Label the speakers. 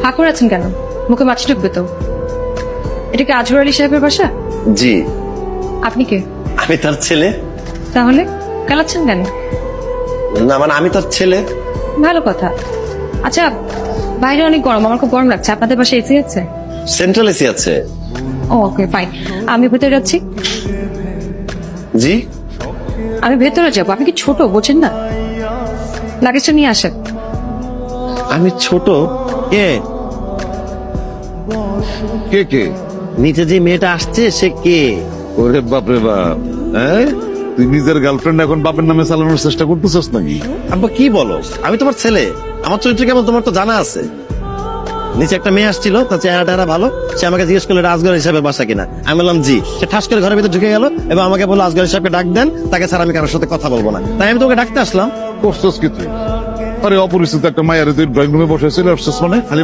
Speaker 1: হা করে আছেন কেন? মুখে মাছি ঢুকবে তো। এটা কি আজহর আলী সাহেবের বাসা?
Speaker 2: জি,
Speaker 1: আপনি কে?
Speaker 2: আমি তার ছেলে।
Speaker 1: তাহলে কালাচ্ছেন কেন?
Speaker 2: না মানে আমি তার ছেলে।
Speaker 1: ভালো কথা। আচ্ছা, বাইরে অনেক গরম, আমার খুব গরম লাগছে। আপনাদের পাশে এসি আছে?
Speaker 2: সেন্ট্রাল এসি আছে।
Speaker 1: ওকে ফাইন, আমি ভেতরে যাচ্ছি।
Speaker 2: জি,
Speaker 1: আমি ভেতরে যাবো। আপনি কি ছোট, বোঝেন না? লাগেজটা নিয়ে আসেন।
Speaker 2: আমি ছোট? কে
Speaker 3: কে কে?
Speaker 2: নিচে যে মেয়েটা আসছে সে কে?
Speaker 3: ওরে বাপরে বাপ, হ্যাঁ তুই নিজের গার্লফ্রেন্ড এখন বাপের নামে চালানোর চেষ্টা করতেছস নাকি?
Speaker 2: আব্বা কি বলো? আমি তোমার ছেলে, আমার চরিত্র কেমন তোমার তো জানা আছে। নিচে একটা মেয়ে আসছিল, তার চেহারা ভালো। সে আমাকে জিজ্ঞেস করলো আজগর হিসাবে বাসা কিনা। আমি বললাম জি। সে ঠাস করে ঘরের ভিতরে ঢুকে গেল এবং আমাকে বললো আজগর হিসাবকে ডাক দেন, তাকে ছাড়া আমি কারোর সাথে কথা বলবো না। তাই আমি তোকে ডাকতে আসলাম।
Speaker 3: করছস কি তুই? আরে অপরিচিত একটা মায়ের তুই ড্রয়িং রুমে বসে চলে আসছিস মানে? খালি